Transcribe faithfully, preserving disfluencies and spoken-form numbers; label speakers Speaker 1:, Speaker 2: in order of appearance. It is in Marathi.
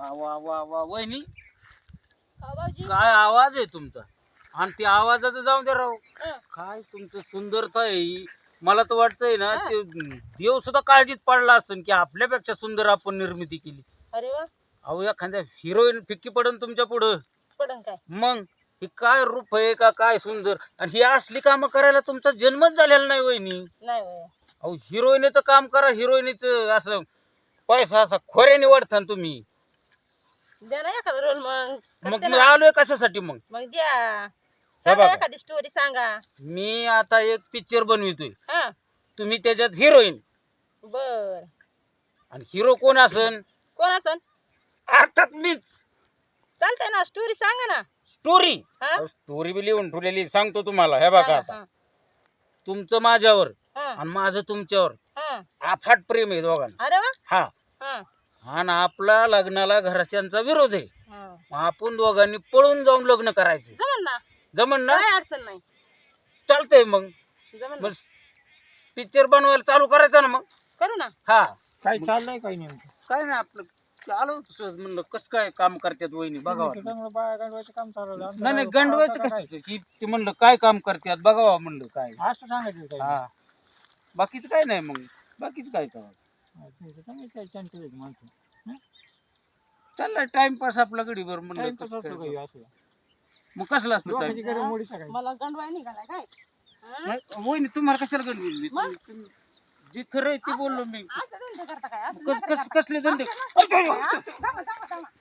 Speaker 1: वा वा वा वा वहिनी
Speaker 2: आवाजी
Speaker 1: काय आवाज आहे तुमचा आणि त्या आवाजाचं जाऊन दे राव
Speaker 2: हं.
Speaker 1: काय तुमचं सुंदरता आहे ही. मला तर वाटतंय ना
Speaker 2: हा.
Speaker 1: ते देव सुद्धा काळजीत पडला असेल की आपल्यापेक्षा सुंदर आपण निर्मिती केली.
Speaker 2: अरे वा
Speaker 1: अहो एखाद्या हिरोईन फिक्की पडन तुमच्या पुढं.
Speaker 2: पडन काय
Speaker 1: मग ही काय रूप आहे का काय सुंदर आणि ही असली कामं करायला तुमचा जन्मच झालेला नाही वहिनी.
Speaker 2: नाही होय.
Speaker 1: अहो हिरोईनीचं काम करा हिरोईनीचं असं पैसा असा खोऱ्याने वाढता तुम्ही.
Speaker 2: द्या ना एखादा रोल मग
Speaker 1: मग
Speaker 2: करते
Speaker 1: मी
Speaker 2: ना.
Speaker 1: आलोय कशासाठी मग
Speaker 2: मग द्या सांगा
Speaker 1: बघा.
Speaker 2: एखादी स्टोरी सांगा.
Speaker 1: मी आता एक पिक्चर बनवितोय
Speaker 2: हा
Speaker 1: तुम्ही त्याच्यात हिरोईन
Speaker 2: बर
Speaker 1: आणि हिरो कोण असन
Speaker 2: कोण असन
Speaker 1: अर्थात मीच.
Speaker 2: चालतंय ना स्टोरी सांगा ना.
Speaker 1: स्टोरी
Speaker 2: हा
Speaker 1: स्टोरी बी लिहून ठेवलेली सांगतो तुम्हाला. हे बघा
Speaker 2: सांगा.
Speaker 1: आता तुमचं माझ्यावर
Speaker 2: हा, हा,
Speaker 1: आणि माझं तुमच्यावर
Speaker 2: हा.
Speaker 1: अफाट प्रेम आहे दोघांना.
Speaker 2: अरे वा
Speaker 1: हा
Speaker 2: हा,
Speaker 1: आणि आपला लग्नाला घरच्यांचा विरोध आहे.
Speaker 2: हा.
Speaker 1: मग आपण दोघांनी पळून जाऊन लग्न करायचं.
Speaker 2: जमन ना
Speaker 1: जमन ना
Speaker 2: काय अडचण नाही.
Speaker 1: चालतंय मग
Speaker 2: जमन
Speaker 1: मग
Speaker 2: ना.
Speaker 1: पिक्चर बनवायला चालू करायचं ना मग.
Speaker 2: करू ना.
Speaker 1: हा
Speaker 3: काय चाललंय काही नेमकं
Speaker 1: काय नाही आपलं आलो सहज म्हणलं कसं काय काम करतात वहिनी बघावं.
Speaker 3: त्याच्यामुळे बाया गंडवायचं काम चालवलं आमचं
Speaker 1: नाही नाही
Speaker 3: काय
Speaker 1: गंडवायचं
Speaker 3: करावं का
Speaker 1: कसं ही ते म्हणलं काय काम करतात बघावं म्हणलं काय.
Speaker 3: काय? असं सांगायचं काही
Speaker 1: हा बाकीचं काय नाही मग बाकीचं काय तर
Speaker 3: हा, ठीक आहे. चांगली काय चॅनल आहेत माणसं
Speaker 1: चाललाय टाइमपास आपला गडीभर म्हणलं
Speaker 3: टाइमपास
Speaker 1: कसं
Speaker 3: असतो
Speaker 1: काय.
Speaker 3: काही असं
Speaker 1: मग कसला असतो
Speaker 3: लोकांची
Speaker 1: टाइम
Speaker 3: गरज मोडी सकाळी
Speaker 2: मला गंडवाय निघालाय काय हा?
Speaker 1: वहिनी तुम्हाला कशाला गडबडली
Speaker 2: मग?
Speaker 1: तुम्ही- जे खरं आहे ते बोललो मी.
Speaker 2: असं धंदे करता काय असं
Speaker 1: कस-
Speaker 2: नखरे
Speaker 1: कस-
Speaker 2: करता.
Speaker 1: कसले धंदे
Speaker 2: असं नखरे करता काय? हा? थांबा, थांबा, थांबा.